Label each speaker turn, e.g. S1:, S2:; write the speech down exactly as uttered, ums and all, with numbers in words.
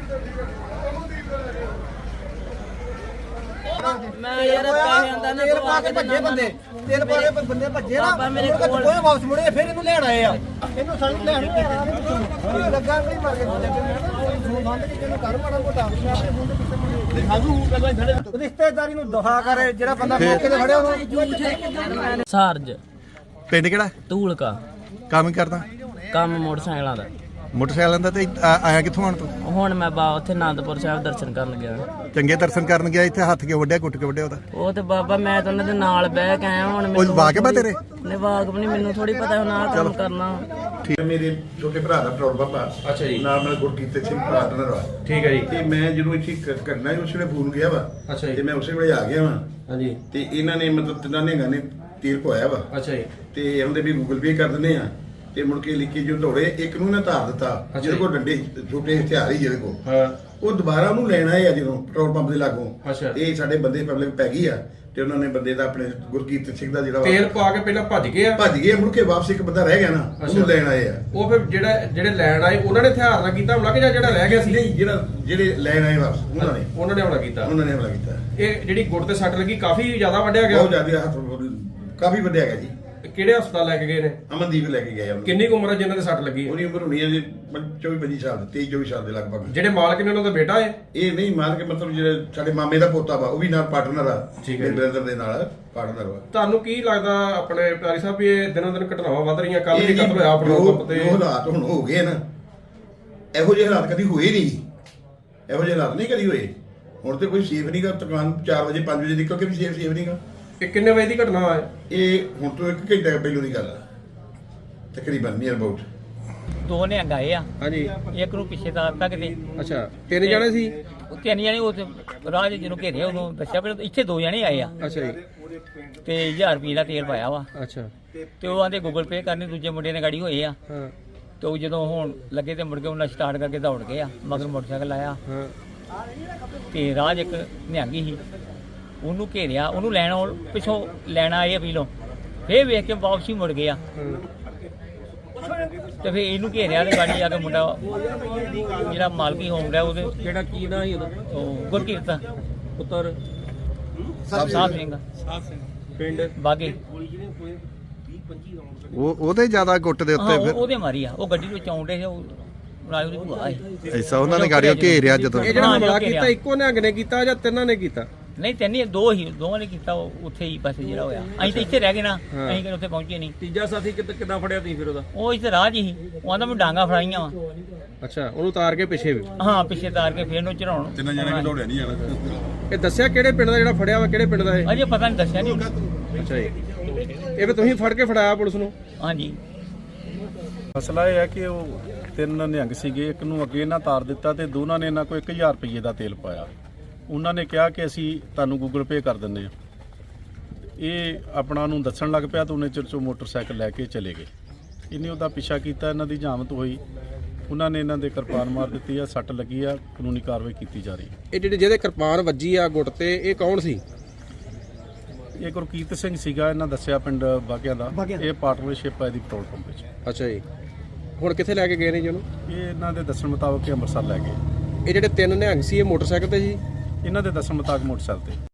S1: मैं यार पैसे आंदा ना
S2: तेल पा के भज्जे बंदे तेल पा के बंदे भज्जे ना मेरे कोल कोई वापस मुड़े फिर ਇਹਨੂੰ ਲੈਣ ਆਏ ਆ ਇਹਨੂੰ ਸਾਨੂੰ ਲੈਣ ਨਹੀਂ ਆਇਆ ਲੱਗਾ ਨਹੀਂ ਮਾਰ ਕੇ ਫੋਨ ਬੰਦ ਕਿ ਇਹਨੂੰ ਕਰ ਮਾੜਾ ਮੋਟਾ ਆਪਣੇ ਫੋਨ ਦੇ ਪਿੱਛੇ ਸਾਜੂ ਪਹਿਲਾਂ ਖੜੇ ਰਿਸ਼ਤੇਦਾਰੀ ਨੂੰ ਦਫਾ ਕਰੇ ਜਿਹੜਾ ਬੰਦਾ ਮੌਕੇ ਤੇ ਖੜਿਆ ਉਹਨੂੰ
S1: ਸਾਰਜ
S3: ਪਿੰਡ ਕਿਹੜਾ?
S1: ਧੂਲਕਾ।
S3: ਕੰਮ ਕਰਦਾ?
S1: ਕੰਮ ਮੋਟਰਸਾਈਕਲਾਂ ਦਾ।
S3: ਮੋਟਰਸਾਈਕਲਾਂ ਦਾ। ਤੇ ਆਇਆ ਕਿੱਥੋਂ ਆਣ ਤੂੰ?
S1: ਹੁਣ ਮੈਂ ਬਾ ਉੱਥੇ ਆਨੰਦਪੁਰ ਸਾਹਿਬ ਦਰਸ਼ਨ ਕਰਨ ਗਿਆ।
S3: ਚੰਗੇ ਦਰਸ਼ਨ ਕਰਨ ਗਿਆ। ਇੱਥੇ ਹੱਥ ਕਿਉਂ ਵੱਢਿਆ, ਕੁੱਟ ਕੇ ਵੱਢਿਆ ਉਹਦਾ?
S1: ਉਹ ਤੇ ਬਾਬਾ ਮੈਂ ਤਾਂ ਉਹਨਾਂ ਦੇ ਨਾਲ ਬਹਿ ਕੇ ਆਇਆ। ਹੁਣ
S3: ਉਹ ਵਾਕਿਬ ਆ ਤੇਰੇ?
S1: ਨਹੀਂ ਵਾਕਿਬ ਨਹੀਂ, ਮੈਨੂੰ ਥੋੜੀ ਪਤਾ ਹੁਣ ਆਹ ਕੰਮ ਕਰਨਾ।
S4: ਠੀਕ। ਮੇਰੇ ਛੋਟੇ ਭਰਾ ਦਾ ਪੈਟਰੋਲ ਪੰਪ ਆ। ਅੱਛਾ ਜੀ। ਨਾਲ ਨਾਲ ਗੁਰਕੀਰਤ ਸਿੰਘ ਪਾਰਟਨਰ ਵਾ। ਠੀਕ ਹੈ ਜੀ। ਤੇ ਮੈਂ ਜਦੋਂ ਇੱਥੇ ਕਰਨਾ ਸੀ ਉਸ ਵੇਲੇ ਫੋਨ ਗਿਆ ਵਾ। ਅੱਛਾ ਜੀ। ਤੇ ਮੈਂ ਉਸੇ ਵੇਲੇ ਆ ਗਿਆ ਵਾ। ਹਾਂਜੀ। ਤੇ ਇਹਨਾਂ ਨੇ ਮਤਲਬ ਤਿੰਨਾਂ ਨੇ ਗਾਣੇ ਤੀਰ ਪਵਾਇਆ ਵਾ। ਅੱਛਾ ਜੀ। ਤੇ ਉਹਦੇ ਵੀ ਗੂਗਲ ਪੇ ਕਰ ਦਿੰਦੇ ਆ ਤੇ ਮੁੜ ਕੇ ਲਿਖੀ ਜੋ ਦੌੜੇ ਇੱਕ ਨੂੰ ਨਾ ਧਾਰ ਦਿੱਤਾ ਜਿਹਦੇ ਕੋਲ ਡੰਡੇ ਛੋਟੇ ਹਥਿਆਰ ਹੀ ਜਿਹਦੇ ਕੋਲ। ਹਾਂ। ਉਹ ਦੁਬਾਰਾ ਉਹਨੂੰ ਲੈਣ ਆਏ ਆ ਜਦੋਂ ਪੈਟਰੋਲ ਪੰਪ ਦੇ ਲਾਗੋਂ। ਇਹ ਸਾਡੇ ਬੰਦੇ ਪਬਲਿਕ ਪੈ ਗਈ ਆ ਤੇ ਉਹਨਾਂ ਨੇ ਬੰਦੇ ਦਾ ਆਪਣੇ ਗੁਰਕੀਰਤ ਸਿੰਘ ਦਾ ਜਿਹੜਾ
S5: ਤੇਲ ਪਾ ਕੇ ਪਹਿਲਾਂ ਭੱਜ ਗਏ ਆ
S4: ਭੱਜ ਗਏ ਮੁੜ ਕੇ ਵਾਪਸ ਇੱਕ ਬੰਦਾ ਰਹਿ ਗਿਆ ਨਾ ਉਹਨੂੰ ਲੈਣ ਆਏ ਆ।
S5: ਉਹ ਫਿਰ ਜਿਹੜਾ ਜਿਹੜੇ ਲੈਣ ਆਏ ਉਹਨਾਂ ਨੇ ਹਥਿਆਰ ਨਾਲ ਕੀਤਾ ਹਮਲਾ ਕਿ ਜਾਂ ਜਿਹੜਾ ਰਹਿ ਗਿਆ ਸੀ?
S4: ਨਹੀਂ, ਜਿਹੜਾ ਜਿਹੜੇ ਲੈਣ ਆਏ ਵਾਪਸ ਉਹਨਾਂ ਨੇ
S5: ਉਹਨਾਂ ਨੇ ਹਮਲਾ ਕੀਤਾ।
S4: ਉਹਨਾਂ ਨੇ ਹਮਲਾ ਕੀਤਾ।
S5: ਇਹ ਜਿਹੜੀ ਗੁੱਟ ਤੇ ਸੱਟ ਲੱਗੀ ਕਾਫੀ ਜ਼ਿਆਦਾ ਵੱਢਿਆ ਗਿਆ।
S4: ਬਹੁਤ ਜ਼ਿਆਦਾ ਹੱਥ ਕਾਫੀ ਵੱਢਿਆ ਗਿਆ ਜੀ।
S5: ਕਿਹੜੇ ਹਸਪਤਾਲ ਲੈ ਕੇ ਗਏ ਨੇ?
S4: ਅਮਨਦੀਪ ਲੈ ਕੇ ਗਏ ਆ।
S5: ਕਿੰਨੀ ਕੁ ਉਮਰ ਹੈ ਜਿਨ੍ਹਾਂ ਦੇ ਸੱਟ ਲੱਗੀ ਹੈ?
S4: ਉਹਦੀ ਉਮਰ ਹੋਣੀ ਹੈ ਜੀ ਚੌਵੀ ਪੱਚੀ ਸਾਲ ਤੇਈ ਚੌਵੀ ਸਾਲ ਦੇ ਲਗਭਗ।
S5: ਜਿਹੜੇ ਮਾਲਕ ਨੇ ਉਹਨਾਂ ਦਾ ਬੇਟਾ ਹੈ?
S4: ਇਹ ਨਹੀਂ ਮਾਲਕ, ਮਤਲਬ ਜਿਹੜੇ ਸਾਡੇ ਮਾਮੇ ਦਾ ਪੋਤਾ ਵਾ ਉਹ ਵੀ ਨਾਲ ਪਾਰਟਨਰ ਆ।
S5: ਠੀਕ ਹੈ।
S4: ਬ੍ਰਦਰ ਦੇ ਨਾਲ ਪਾਰਟਨਰ ਵਾ।
S5: ਤੁਹਾਨੂੰ ਕੀ ਲੱਗਦਾ ਆਪਣੇ ਪਿਆਰੀ ਸਾਹਿਬ ਵੀ ਇਹ ਦਿਨੋਂ ਦਿਨ ਘਟਨਾਵਾਂ ਵੱਧ ਰਹੀਆਂ? ਕੱਲ ਵੀ ਕਤਲ ਹੋਇਆ ਪੈਟਰੋਲ ਪੰਪ ਤੇ।
S4: ਜੋ ਹਾਲਾਤ ਹੁਣ ਹੋ ਗਏ ਨਾ, ਇਹੋ ਜਿਹੇ ਹਾਲਾਤ ਕਦੀ ਹੋਏ ਨਹੀਂ। ਇਹੋ ਜਿਹੇ ਹਾਲਾਤ ਨਹੀਂ ਕਦੀ ਹੋਏ। ਹੁਣ ਤੇ ਕੋਈ ਸੇਫ ਨਹੀਂਗਾ। ਦੁਕਾਨ ਚਾਰ ਵਜੇ ਪੰਜ ਵਜੇ ਨਿਕਲ ਕੇ ਵੀ ਸੇਫ ਸੇਫ ਨਹੀਂਗਾ।
S5: ਇਹ ਕਿੰਨੇ ਵਜੇ ਦੀ ਘਟਨਾ ਹੈ?
S4: ਇਹ ਹੁਣ ਤੋਂ ਇੱਕ ਘੰਟਾ ਪਹਿਲੋਂ ਦੀ ਗੱਲ ਆ ਤਕਰੀਬਨ ਨੀਅਰ ਅਬਾਊਟ।
S1: ਦੋ ਨੇ ਗਏ ਆ। ਹਾਂਜੀ। ਇੱਕ ਨੂੰ ਪਿੱਛੇ ਤਾਂ ਤੱਕ ਦੇ।
S5: ਅੱਛਾ। ਤਿੰਨ ਜਣੇ ਸੀ?
S1: ਤਿੰਨ ਜਣੇ ਉਹ ਰਾਜ ਜਿਹਨੂੰ ਘੇਰੇ ਉਦੋਂ ਦੱਸਿਆ ਪਰ ਇੱਥੇ ਦੋ ਜਣੇ ਆਏ ਆ।
S5: ਅੱਛਾ ਜੀ।
S1: ਤੇ ਹਜ਼ਾਰ ਰੁਪਏ ਦਾ ਤੇਲ ਪਾਇਆ ਵਾ।
S5: ਅੱਛਾ।
S1: ਤੇ ਉਹ ਆਂਦੇ ਗੂਗਲ ਪੇ ਕਰਨੀ, ਦੂਜੇ ਮੁੰਡੇ ਨੇ ਗਾੜੀ ਹੋਏ ਆ।
S5: ਹਾਂ।
S1: ਤੇ ਉਹ ਜਦੋਂ ਹੁਣ ਲੱਗੇ ਤੇ ਮੁੜ ਕੇ ਉਹਨਾਂ ਸਟਾਰਟ ਕਰਕੇ ਦੌੜ ਗਏ ਆ, ਮਗਰ ਮੋਟਰਸਾਈਕਲ ਆਇਆ।
S5: ਹਾਂ।
S1: ਤੇ ਰਾਜ ਇੱਕ ਨਿਹੰਗੀ ਸੀ, ਉਹਨੂੰ ਘੇਰਿਆ, ਉਹਨੂੰ ਲੈਣ ਪਿੱਛੋਂ ਲੈਣ ਆਏ ਅਪੀਲੋਂ, ਫੇਰ ਵੇਖ ਕੇ ਵਾਪਸੀ ਮੁੜ ਗਿਆ। ਤੇ ਫੇਰ ਇਹਨੂੰ ਘੇਰਿਆ ਤੇ ਗਾੜੀ ਆ ਕੇ ਮੁੰਡਾ ਜਿਹੜਾ ਮਾਲਕੀ ਹੋਮ ਰਿਹਾ ਉਹਦੇ ਜਿਹੜਾ ਕੀ ਨਾਂ ਸੀ ਉਹਦਾ, ਉਹ ਗੁਰਕੀਰਤ ਪੁੱਤਰ ਸਾਹਿਬ ਸਿੰਘ ਪਿੰਡ ਬਾਗੇ।
S3: ਉਹ ਉਹਦੇ ਜ਼ਿਆਦਾ ਗੁੱਟ ਦੇ ਉੱਤੇ ਫਿਰ
S1: ਉਹਦੇ ਮਾਰੀ ਆ। ਉਹ ਗੱਡੀ ਵਿੱਚ ਆਉਂਦੇ ਸੀ, ਉਹ ਨਾਲ ਉਹਦੀ ਭੂਆ ਹੈ।
S3: ਐਸਾ ਉਹਨਾਂ ਨੇ ਗਾੜੀਆਂ ਘੇਰਿਆ ਜਦੋਂ।
S5: ਇਹ ਜਿਹੜਾ ਹਮਲਾ ਕੀਤਾ ਇੱਕੋ ਨਿਹੰਗ ਨੇ ਕੀਤਾ ਜਾਂ ਤਿੰਨਾਂ ਨੇ ਕੀਤਾ?
S1: ਨਹੀਂ ਤਿੰਨ ਦੋ ਹੀ, ਦੋਵਾਂ ਨੇ ਕੀਤਾ। ਉੱਥੇ ਹੀ ਪਾਸੇ ਜਿਹੜਾ ਹੋਇਆ। ਅਸੀਂ ਤਾਂ ਇੱਥੇ ਰਹਿ ਗਏ ਨਾ, ਅਸੀਂ ਕਿ ਉੱਥੇ ਪਹੁੰਚੇ ਨਹੀਂ।
S5: ਤੀਜਾ ਸਾਥੀ ਕਿੱਦਾਂ ਫੜਿਆ ਤੁਸੀਂ ਫਿਰ ਉਹਦਾ?
S1: ਉਹ ਇੱਥੇ ਰਾਹ 'ਚ ਹੀ, ਉਹ ਆਂਦਾ ਮੈਂ ਡਾਂਗਾ ਫੜਾਈਆਂ ਵਾ।
S5: ਅੱਛਾ। ਉਹਨੂੰ ਤਾਰ ਕੇ ਪਿੱਛੇ ਵੀ?
S1: ਹਾਂ, ਪਿੱਛੇ ਤਾਰ ਕੇ ਫੇਰ ਨੂੰ ਚੜਾਉਣ।
S4: ਤਿੰਨ ਜਣੇ ਵੀ ਦੌੜਿਆ ਨਹੀਂ ਜਾਣਾ।
S5: ਇਹ ਦੱਸਿਆ ਕਿਹੜੇ ਪਿੰਡ ਦਾ ਜਿਹੜਾ ਫੜਿਆ ਵਾ? ਕਿਹੜੇ ਪਿੰਡ ਦਾ ਇਹ?
S1: ਅਜੇ ਪਤਾ ਨਹੀਂ, ਦੱਸਿਆ ਨਹੀਂ।
S5: ਅੱਛਾ ਜੀ। ਇਹ ਵੀ ਤੁਸੀਂ ਫੜ ਕੇ ਫੜਾਇਆ ਪੁਲਿਸ ਨੂੰ?
S1: ਹਾਂਜੀ।
S6: ਮਸਲਾ ਇਹ ਹੈ ਕਿ ਉਹ ਤਿੰਨ ਨਿਹੰਗ ਸੀਗੇ, ਇੱਕ ਨੂੰ ਅੱਗੇ ਇਹਨਾਂ ਤਾਰ ਦਿੱਤਾ ਤੇ ਦੋਨਾਂ ਨੇ ਇਹਨਾਂ ਕੋਲ ਇੱਕ ਹਜ਼ਾਰ ਰੁਪਏ ਦਾ ਤੇਲ ਪਾਇਆ। ਉਹਨਾਂ ਨੇ ਕਿਹਾ ਕਿ ਅਸੀਂ ਤੁਹਾਨੂੰ ਗੂਗਲ ਪੇ ਕਰ ਦਿੰਦੇ ਹਾਂ। ਇਹ ਆਪਣਾ ਨੂੰ ਦੱਸਣ ਲੱਗ ਪਿਆ ਤਾਂ ਉਹਨੇ ਚਿਰ 'ਚੋਂ ਮੋਟਰਸਾਈਕਲ ਲੈ ਕੇ ਚਲੇ ਗਏ। ਇਹਨੇ ਉਹਦਾ ਪਿੱਛਾ ਕੀਤਾ, ਇਹਨਾਂ ਦੀ ਜਾਮਤ ਹੋਈ। ਉਹਨਾਂ ਨੇ ਇਹਨਾਂ ਦੇ ਕਿਰਪਾਨ ਮਾਰ ਦਿੱਤੀ ਆ, ਸੱਟ ਲੱਗੀ ਆ, ਕਾਨੂੰਨੀ ਕਾਰਵਾਈ ਕੀਤੀ ਜਾ ਰਹੀ ਹੈ।
S5: ਇਹ ਜਿਹੜੇ ਜਿਹਦੇ ਕਿਰਪਾਨ ਵੱਜੀ ਆ ਗੁੱਟ ਤੇ, ਇਹ ਕੌਣ ਸੀ?
S6: ਇਹ ਗੁਰਕੀਰਤ ਸਿੰਘ ਸੀਗਾ, ਇਹਨਾਂ ਦੱਸਿਆ ਪਿੰਡ ਬਾਗਿਆਂ ਦਾ। ਇਹ ਪਾਰਟਨਰਸ਼ਿਪ ਹੈ ਦੀ ਪੈਟਰੋਲ ਪੰਪ ਵਿੱਚ।
S5: ਅੱਛਾ ਜੀ। ਹੁਣ ਕਿੱਥੇ ਲੈ ਕੇ ਗਏ ਨੇ ਜੀ ਉਹਨੂੰ?
S6: ਇਹ ਇਹਨਾਂ ਦੇ ਦੱਸਣ ਮੁਤਾਬਕ ਅੰਮ੍ਰਿਤਸਰ ਲੈ ਗਏ।
S5: ਇਹ ਜਿਹੜੇ ਤਿੰਨ ਨਿਹੰਗ ਸੀ ਇਹ ਮੋਟਰਸਾਈਕਲ ਤੇ ਸੀ?
S6: ਇਹਨਾਂ ਦੇ ਦੱਸਣ ਮੁਤਾਬਕ ਮੋਟਰਸਾਈਕਲ ਤੇ।